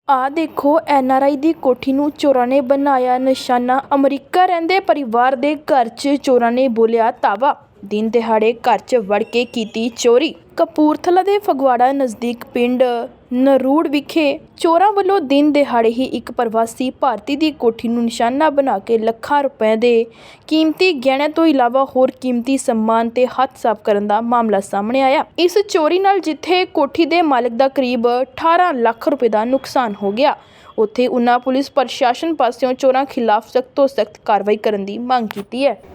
ਆ ਦੇਖੋ NRI ਦੀ ਕੋਠੀ ਨੂੰ ਚੋਰਾਂ ਨੇ ਬਣਾਇਆ ਨਿਸ਼ਾਨਾ। ਅਮਰੀਕਾ ਰਹਿੰਦੇ ਪਰਿਵਾਰ ਦੇ ਘਰ 'ਚ ਚੋਰਾਂ ਨੇ ਬੋਲਿਆ ਧਾਵਾ। ਦਿਨ ਦਿਹਾੜੇ ਘਰ 'ਚ ਵੜ ਕੇ ਕੀਤੀ ਚੋਰੀ। ਕਪੂਰਥਲਾ ਦੇ ਫਗਵਾੜਾ ਨਜ਼ਦੀਕ ਪਿੰਡ ਨਰੂੜ ਵਿਖੇ ਚੋਰਾਂ ਵੱਲੋਂ ਦਿਨ ਦਿਹਾੜੇ ਹੀ ਇੱਕ ਪ੍ਰਵਾਸੀ ਭਾਰਤੀ ਦੀ ਕੋਠੀ ਨੂੰ ਨਿਸ਼ਾਨਾ ਬਣਾ ਕੇ ਲੱਖਾਂ ਰੁਪਏ ਦੇ ਕੀਮਤੀ ਗਹਿਣਿਆਂ ਤੋਂ ਇਲਾਵਾ ਹੋਰ ਕੀਮਤੀ ਸਮਾਨ ਤੇ ਹੱਥ ਸਾਫ਼ ਕਰਨ ਦਾ ਮਾਮਲਾ ਸਾਹਮਣੇ ਆਇਆ। ਇਸ ਚੋਰੀ ਨਾਲ ਜਿੱਥੇ ਕੋਠੀ ਦੇ ਮਾਲਕ ਦਾ ਕਰੀਬ 18 ਲੱਖ ਰੁਪਏ ਦਾ ਨੁਕਸਾਨ ਹੋ ਗਿਆ, ਉੱਥੇ ਉਨ੍ਹਾਂ ਪੁਲਿਸ ਪ੍ਰਸ਼ਾਸਨ ਪਾਸਿਓਂ ਚੋਰਾਂ ਖਿਲਾਫ ਸਖਤ ਤੋਂ ਸਖਤ ਕਾਰਵਾਈ ਕਰਨ ਦੀ ਮੰਗ ਕੀਤੀ ਹੈ।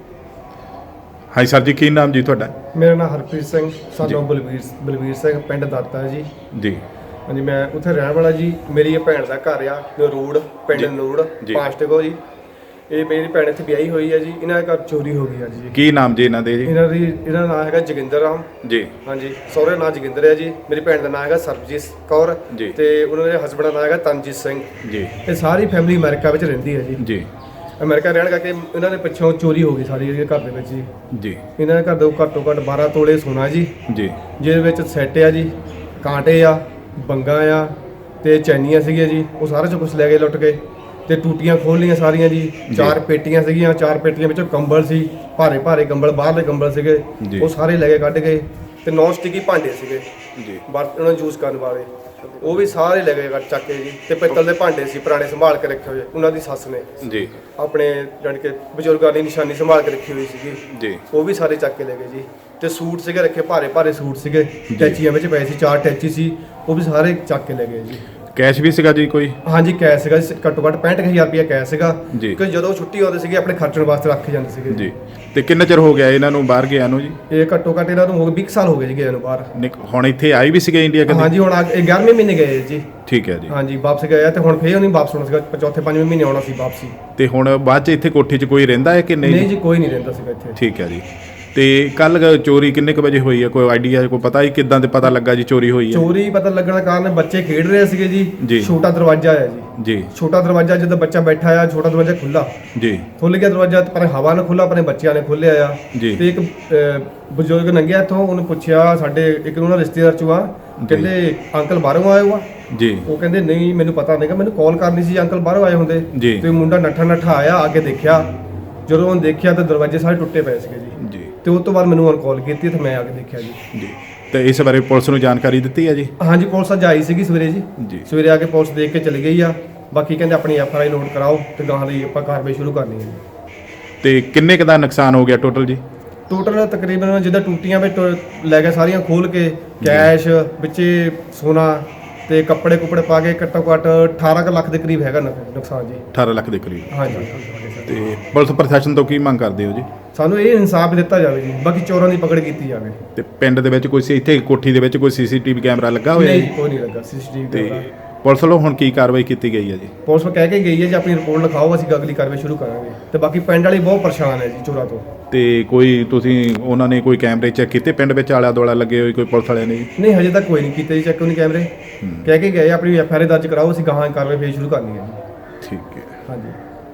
ਹਾਂਜੀ ਸਰ ਜੀ, ਕੀ ਨਾਮ ਜੀ ਤੁਹਾਡਾ? ਮੇਰਾ ਨਾਮ ਹਰਪ੍ਰੀਤ ਸਿੰਘ ਸਾਨੂੰ ਬਲਵੀਰ ਸਿੰਘ ਪਿੰਡ ਦਾਤਾ ਜੀ। ਹਾਂਜੀ, ਮੈਂ ਉੱਥੇ ਰਹਿਣ ਵਾਲਾ ਜੀ। ਮੇਰੀ ਇਹ ਭੈਣ ਦਾ ਘਰ ਆ ਨਰੂੜ, ਪਿੰਡ ਨਰੂੜ ਪਾਸਟਕੋ ਜੀ। ਇਹ ਮੇਰੀ ਭੈਣ ਇੱਥੇ ਵਿਆਹੀ ਹੋਈ ਹੈ ਜੀ। ਇਹਨਾਂ ਦੇ ਘਰ ਚੋਰੀ ਹੋ ਗਈ ਹੈ ਜੀ। ਕੀ ਨਾਮ ਜੀ ਇਹਨਾਂ ਦੇ? ਜੀ ਇਹਨਾਂ ਦਾ ਨਾਮ ਹੈਗਾ ਜੋਗਿੰਦਰ ਰਾਮ ਜੀ। ਹਾਂਜੀ, ਸਹੁਰੇ ਨਾਮ ਜੋਗਿੰਦਰ ਹੈ ਜੀ। ਮੇਰੀ ਭੈਣ ਦਾ ਨਾਮ ਹੈਗਾ ਸਰਬਜੀਤ ਕੌਰ ਤੇ ਉਹਨਾਂ ਦੇ ਹਸਬੈਂਡ ਦਾ ਨਾਮ ਹੈਗਾ ਤਨਜੀਤ ਸਿੰਘ ਜੀ। ਇਹ ਸਾਰੀ ਫੈਮਿਲੀ ਅਮਰੀਕਾ ਵਿੱਚ ਰਹਿੰਦੀ ਹੈ ਜੀ। ਅਮਰੀਕਾ ਰਹਿਣ ਕਰਕੇ ਇਹਨਾਂ ਦੇ ਪਿੱਛੋਂ ਚੋਰੀ ਹੋ ਗਈ ਸਾਰੀ ਇਹਦੇ ਘਰ ਦੇ ਵਿੱਚ ਜੀ। ਇਹਨਾਂ ਦੇ ਘਰ ਦੇ ਘੱਟੋ ਘੱਟ 12 ਤੋਲੇ ਸੋਨਾ ਜੀ, ਜਿਹਦੇ ਵਿੱਚ ਸੈੱਟ ਆ ਜੀ, ਕਾਂਟੇ ਆ, ਬੰਗਾ ਆ ਤੇ ਚੈਨੀਆਂ ਸੀਗੀਆਂ ਜੀ। ਉਹ ਸਾਰਾ ਚੋਂ ਕੁਛ ਲੈ ਗਏ ਲੁੱਟ ਕੇ। ਤੇ ਟੂਟੀਆਂ ਖੋਲ ਲਈਆਂ ਸਾਰੀਆਂ ਜੀ। 4 ਪੇਟੀਆਂ ਸੀਗੀਆਂ, 4 ਪੇਟੀਆਂ ਵਿੱਚੋਂ ਕੰਬਲ ਸੀ, ਭਾਰੇ ਕੰਬਲ, ਬਾਹਰਲੇ ਕੰਬਲ ਸੀਗੇ, ਉਹ ਸਾਰੇ ਲੈ ਕੇ ਕੱਢ ਗਏ। ਤੇ ਨੌਨ ਸਟਿਕੀ ਭਾਂਡੇ ਸੀਗੇ ਜੀ, ਉਹਨਾਂ ਨੂੰ ਯੂਜ਼ ਕਰਨ ਵਾਲੇ, ਉਹ ਵੀ ਸਾਰੇ ਲੈ ਗਏ ਚੱਕ ਕੇ ਜੀ। ਤੇ ਪਿੱਤਲ ਦੇ ਭਾਂਡੇ ਸੀ ਪੁਰਾਣੇ ਸੰਭਾਲ ਕੇ ਰੱਖੇ ਹੋਏ ਉਹਨਾਂ ਦੀ ਸੱਸ ਨੇ ਜੀ, ਆਪਣੇ ਜਾਣੀ ਕਿ ਬਜ਼ੁਰਗਾਂ ਦੀ ਨਿਸ਼ਾਨੀ ਸੰਭਾਲ ਕੇ ਰੱਖੀ ਹੋਈ ਸੀਗੀ ਜੀ। ਉਹ ਵੀ ਸਾਰੇ ਚੱਕ ਕੇ ਲੈ ਗਏ ਜੀ। ਤੇ ਸੂਟ ਸੀਗੇ ਰੱਖੇ, ਭਾਰੇ ਸੂਟ ਸੀਗੇ, ਟੈਚੀਆਂ ਵਿੱਚ ਪਏ ਸੀ, 4 ਟੈਚੀ ਸੀ, ਉਹ ਵੀ ਸਾਰੇ ਚੱਕ ਕੇ ਲੈ ਗਏ ਜੀ। ਕੈਸ਼ ਵੀ ਸੀਗਾ ਜੀ ਕੋਈ? ਹਾਂਜੀ, ਕੈਸ਼ ਸੀਗਾ ਜੀ, ਘੱਟੋ ਘੱਟ 65,000 ਰੁਪਇਆ ਕੈਸ਼ ਸੀਗਾ, ਕਿਉਂਕਿ ਜਦੋਂ ਛੁੱਟੀ ਆਉਂਦੇ ਸੀਗੇ ਆਪਣੇ ਖਰਚਣ ਵਾਸਤੇ ਰੱਖ ਜਾਂਦੇ ਸੀਗੇ ਜੀ। ਤੇ ਕਿੰਨਾ ਚਿਰ ਹੋ ਗਿਆ ਇਹਨਾਂ ਨੂੰ ਬਾਹਰ ਗਿਆ ਨੂੰ ਜੀ? ਇਹ ਘੱਟੋ ਘੱਟ ਇਹਨਾਂ ਨੂੰ ਹੋ ਗਏ 20 ਸਾਲ ਹੋ ਗਏ ਜੀ ਗਏ ਨੂੰ ਬਾਹਰ। ਹੁਣ ਇੱਥੇ ਆਏ ਵੀ ਸੀਗੇ ਇੰਡੀਆ ਕਦੇ? ਹਾਂਜੀ, ਹੁਣ 11ਵੇਂ ਮਹੀਨੇ ਗਏ ਜੀ। ਠੀਕ ਹੈ ਜੀ। ਹਾਂਜੀ, ਵਾਪਸ ਗਏ ਆ ਤੇ ਹੁਣ ਫੇਰ ਉਹਨੇ ਵਾਪਸ ਆਉਣਾ ਸੀਗਾ, ਚੌਥੇ 5ਵੇਂ ਮਹੀਨੇ ਆਉਣਾ ਸੀ ਵਾਪਸੀ। ਤੇ ਹੁਣ ਬਾਅਦ ਚ ਇੱਥੇ ਕੋਠੀ 'ਚ ਕੋਈ ਰਹਿੰਦਾ ਹੈ ਕਿ ਨਹੀਂ? ਨਹੀਂ ਜੀ, ਕੋਈ ਨਹੀਂ ਰਹਿੰਦਾ ਸੀਗਾ ਇੱਥੇ। ਠੀਕ ਹੈ ਜੀ। ਤੇ ਕੱਲ ਚੋਰੀ ਕਿੰਨੇ ਕੁ ਵਜੇ ਹੋਈ ਹੈ? ਕੋਈ ਆਈਡੀਆ, ਕੋਈ ਪਤਾ ਹੀ ਕਿੱਦਾਂ ਤੇ ਪਤਾ ਲੱਗਾ ਜੀ ਚੋਰੀ ਹੋਈ ਹੈ? ਚੋਰੀ ਪਤਾ ਲੱਗਣ ਦਾ ਕਾਰਨ ਬੱਚੇ ਖੇਡ ਰਹੇ ਸੀਗੇ ਜੀ। ਛੋਟਾ ਦਰਵਾਜ਼ਾ ਹੈ ਜੀ। ਛੋਟਾ ਦਰਵਾਜ਼ਾ, ਜਦੋਂ ਬੱਚਾ ਬੈਠਾ ਆ, ਛੋਟਾ ਦਰਵਾਜ਼ਾ ਖੁੱਲਾ ਖੁੱਲ ਗਿਆ ਦਰਵਾਜ਼ਾ, ਪਰ ਹਵਾ ਨੇ ਖੁੱਲਾ, ਆਪਣੇ ਬੱਚਿਆਂ ਨੇ ਖੋਲਿਆ ਆ। ਤੇ ਇੱਕ ਬਜ਼ੁਰਗ ਲੰਘਿਆ ਇੱਥੋਂ, ਉਹਨੂੰ ਪੁੱਛਿਆ, ਸਾਡੇ ਇੱਕ ਉਹਨਾਂ ਰਿਸ਼ਤੇਦਾਰ ਚੋਂ ਆ, ਕਹਿੰਦੇ ਅੰਕਲ ਬਾਹਰੋਂ ਆਏ ਹੋ ਜੀ? ਉਹ ਕਹਿੰਦੇ ਨਹੀਂ, ਮੈਨੂੰ ਪਤਾ ਨਹੀਂਗਾ, ਮੈਨੂੰ ਕਾਲ ਕਰਨੀ ਸੀ, ਅੰਕਲ ਬਾਹਰੋਂ ਆਏ ਹੁੰਦੇ। ਤੇ ਮੁੰਡਾ ਨੱਠਾ ਆਇਆ, ਆ ਕੇ ਦੇਖਿਆ, ਜਦੋਂ ਉਹਨੇ ਦੇਖਿਆ ਤਾਂ ਦਰਵਾਜ਼ੇ ਸਾਰੇ ਟੁੱਟੇ ਪਏ ਸੀਗੇ ਜੀ। ਤੇ ਉਸ ਤੋਂ ਬਾਅਦ ਮੈਨੂੰ ਉਹਨੇ ਕਾਲ ਕੀਤੀ ਤੇ ਮੈਂ ਆ ਕੇ ਦੇਖਿਆ ਜੀ। ਤੇ ਇਸ ਬਾਰੇ ਪੁਲਿਸ ਨੂੰ ਜਾਣਕਾਰੀ ਦਿੱਤੀ ਹੈ ਜੀ? ਹਾਂਜੀ, ਪੁਲਿਸ ਅੱਜ ਆਈ ਸੀਗੀ ਸਵੇਰੇ ਜੀ। ਸਵੇਰੇ ਆ ਕੇ ਪੁਲਿਸ ਦੇਖ ਕੇ ਚਲੀ ਗਈ ਆ। ਬਾਕੀ ਕਹਿੰਦੇ ਆਪਣੀ FIR ਨੋਟ ਕਰਾਓ ਤੇ ਗਾਹਾਂ ਲਈ ਆਪਾਂ ਕਾਰਵਾਈ ਸ਼ੁਰੂ ਕਰਨੀ ਹੈ ਜੀ। ਤੇ ਕਿੰਨੇ ਕੁ ਦਾ ਨੁਕਸਾਨ ਹੋ ਗਿਆ ਟੋਟਲ ਜੀ? ਟੋਟਲ ਤਕਰੀਬਨ ਜਿੱਦਾਂ ਟੂਟੀਆਂ ਵਿੱਚ ਲੈ ਗਏ ਸਾਰੀਆਂ ਖੋਲ ਕੇ, ਕੈਸ਼ ਵਿੱਚੇ ਸੋਨਾ ਤੇ ਕੱਪੜੇ ਪਾ ਕੇ ਘੱਟੋ ਘੱਟ 18 ਲੱਖ ਦੇ ਕਰੀਬ ਹੈਗਾ ਨੁਕਸਾਨ ਜੀ। 18 ਲੱਖ ਦੇ ਕਰੀਬ? ਹਾਂਜੀ। ਤੇ ਪੁਲਿਸ ਪ੍ਰਸ਼ਾਸਨ ਤੋਂ ਕੀ ਮੰਗ ਕਰਦੇ ਹੋ ਜੀ? ਸਾਨੂੰ ਇਹ ਇਨਸਾਫ ਦਿੱਤਾ ਜਾਵੇ ਜੀ, ਬਾਕੀ ਚੋਰਾਂ ਦੀ ਪਕੜ ਕੀਤੀ ਜਾਵੇ। ਤੇ ਪਿੰਡ ਦੇ ਵਿੱਚ ਕੋਈ ਇੱਥੇ ਕੋਠੀ ਦੇ ਵਿੱਚ ਕੋਈ CCTV ਕੈਮਰਾ ਲੱਗਾ ਹੋਇਆ? ਨਹੀਂ, ਕੋਈ ਨਹੀਂ ਲੱਗਾ CCTV ਕੈਮਰਾ। ਪੁਲਿਸ ਵੱਲੋਂ ਹੁਣ ਕੀ ਕਾਰਵਾਈ ਕੀਤੀ ਗਈ ਹੈ ਜੀ? ਪੁਲਿਸ ਨੂੰ ਕਹਿ ਕੇ ਗਈ ਹੈ ਜੀ ਆਪਣੀ ਰਿਪੋਰਟ ਲਿਖਾਓ, ਅਸੀਂ ਅਗਲੀ ਕਾਰਵਾਈ ਸ਼ੁਰੂ ਕਰਾਂਗੇ। ਤੇ ਬਾਕੀ ਪਿੰਡ ਵਾਲੇ ਬਹੁਤ ਪਰੇਸ਼ਾਨ ਹੈ ਜੀ ਚੋਰਾਂ ਤੋਂ। ਤੇ ਕੋਈ ਤੁਸੀਂ ਉਹਨਾਂ ਨੇ ਕੋਈ ਕੈਮਰੇ ਚੈੱਕ ਕੀਤੇ ਪਿੰਡ ਵਿੱਚ ਆਲਾ ਦੁਆਲਾ ਲੱਗੇ ਹੋਏ ਕੋਈ ਪੁਲਿਸ ਵਾਲਿਆਂ ਨੇ? ਨਹੀਂ, ਹਜੇ ਤੱਕ ਕੋਈ ਨਹੀਂ ਕੀਤੇ ਜੀ ਚੈੱਕ, ਉਹਨੇ ਕੈਮਰੇ। ਕਹਿ ਕੇ ਗਏ ਆਪਣੀ FIR ਦਰਜ ਕਰਾਓ, ਅਸੀਂ ਗਾਹਾਂ ਕਾਰਵਾਈ ਫੇਰ ਸ਼ੁਰੂ ਕਰਨੀ ਹੈ ਜੀ। ਠੀਕ ਹੈ। ਹਾਂਜੀ।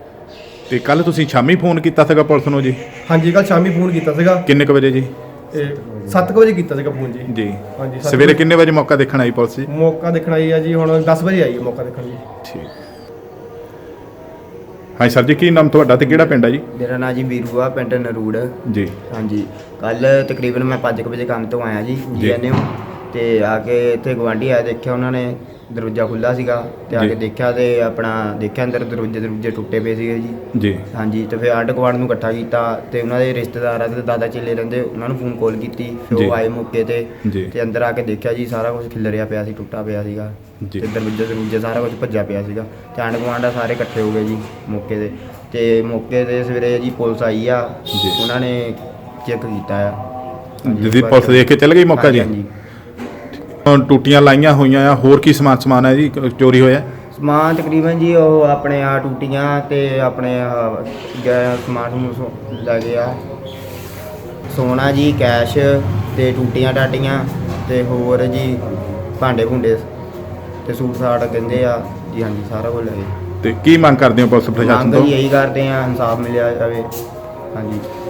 ਤੇ ਕੱਲ ਤੁਸੀਂ ਸ਼ਾਮੀ ਫੋਨ ਕੀਤਾ ਸੀਗਾ ਪੁਲਿਸ ਨੂੰ ਜੀ? ਹਾਂਜੀ, ਕੱਲ ਸ਼ਾਮੀ ਫੋਨ ਕੀਤਾ ਸੀਗਾ। ਕਿੰਨੇ ਕੁ ਵਜੇ ਜੀ? 7 ਵਜੇ ਕੀਤਾ ਸੀਗਾ ਫੋਨ ਜੀ। ਹਾਂਜੀ। ਸਵੇਰੇ ਕਿੰਨੇ ਵਜੇ ਮੌਕਾ ਦੇਖਣ ਆਈ ਪੁਲਿਸ ਜੀ? ਮੌਕਾ ਦੇਖਣ ਆਈ ਆ ਜੀ, ਹੁਣ 10 ਵਜੇ ਆਈ ਹੈ ਮੌਕਾ ਦੇਖਣ ਜੀ। ਠੀਕ। ਹਾਂਜੀ ਸਰ ਜੀ, ਕੀ ਨਾਮ ਤੁਹਾਡਾ ਤੇ ਕਿਹੜਾ ਪਿੰਡ ਹੈ ਜੀ? ਮੇਰਾ ਨਾਮ ਜੀ ਵੀਰੂ ਆ, ਪਿੰਡ ਨਰੂੜ ਜੀ। ਹਾਂਜੀ, ਕੱਲ ਤਕਰੀਬਨ ਮੈਂ 5 ਵਜੇ ਕੰਮ ਤੋਂ ਆਇਆ ਜੀ GNM ਤੇ ਆ ਕੇ ਇੱਥੇ ਗਵਾਂਢੀ ਆਇਆ, ਦੇਖਿਆ ਉਹਨਾਂ ਨੇ ਦਰਵਾਜ਼ਾ ਖੁੱਲ੍ਹਾ ਸੀਗਾ ਤੇ ਆ ਕੇ ਦੇਖਿਆ ਤੇ ਆਪਣਾ ਦੇਖਿਆ ਅੰਦਰ ਦਰਵਾਜ਼ੇ ਟੁੱਟੇ ਪਏ ਸੀਗੇ ਜੀ। ਹਾਂਜੀ, ਤੇ ਫਿਰ ਆਂਢ ਗੁਆਂਢ ਨੂੰ ਇਕੱਠਾ ਕੀਤਾ ਤੇ ਉਹਨਾਂ ਦੇ ਰਿਸ਼ਤੇਦਾਰਾਂ ਤੇ ਦਾਦਾ ਚੇਲੇ ਰਹਿੰਦੇ, ਉਹਨਾਂ ਨੂੰ ਫੋਨ ਕਾਲ ਕੀਤੀ। ਫਿਰ ਉਹ ਆਏ ਮੌਕੇ ਤੇ ਅੰਦਰ ਆ ਕੇ ਦੇਖਿਆ ਜੀ ਸਾਰਾ ਕੁਝ ਖਿਲਰਿਆ ਪਿਆ ਸੀ, ਟੁੱਟਾ ਪਿਆ ਸੀਗਾ ਤੇ ਦਰਵਾਜ਼ੇ ਸਾਰਾ ਕੁਝ ਭੱਜਿਆ ਪਿਆ ਸੀਗਾ। ਤੇ ਆਂਢ ਗੁਆਂਢ ਸਾਰੇ ਇਕੱਠੇ ਹੋ ਗਏ ਜੀ ਮੌਕੇ ਤੇ। ਤੇ ਮੌਕੇ ਤੇ ਸਵੇਰੇ ਜੀ ਪੁਲਿਸ ਆਈ ਆ, ਉਹਨਾਂ ਨੇ ਚੈੱਕ ਕੀਤਾ ਆ ਜੀ। ਪੁਲਿਸ ਦੇਖ ਕੇ ਚੱਲ ਗਈ ਮੌਕਾ ਜੀ? ਟੂਟੀਆਂ ਲਾਈਆਂ ਹੋਈਆਂ ਆ, ਹੋਰ ਕੀ ਸਮਾਨ ਹੈ ਜੀ ਚੋਰੀ ਹੋਇਆ? ਸਮਾਨ ਤਕਰੀਬਨ ਜੀ ਉਹ ਆਪਣੇ ਆ ਟੂਟੀਆਂ ਤੇ ਆਪਣੇ ਸਮਾਨ ਲੈ ਗਏ ਆ, ਸੋਨਾ ਜੀ, ਕੈਸ਼ ਤੇ ਟੂਟੀਆਂ ਟਾਟੀਆਂ ਤੇ ਹੋਰ ਜੀ ਭਾਂਡੇ ਭੁੰਡੇ ਤੇ ਸੂਟ ਸਾਟ ਕਹਿੰਦੇ ਆ ਜੀ। ਹਾਂਜੀ, ਸਾਰਾ ਕੁਝ ਲੈ ਗਏ। ਤੇ ਕੀ ਮੰਗ ਕਰਦੇ ਹੋ ਪੁਲਿਸ ਪ੍ਰਸ਼ਾਸਨ ਤੋਂ? ਮੰਗ ਇਹੀ ਕਰਦੇ ਆ, ਇਨਸਾਫ ਮਿਲਿਆ ਜਾਵੇ। ਹਾਂਜੀ।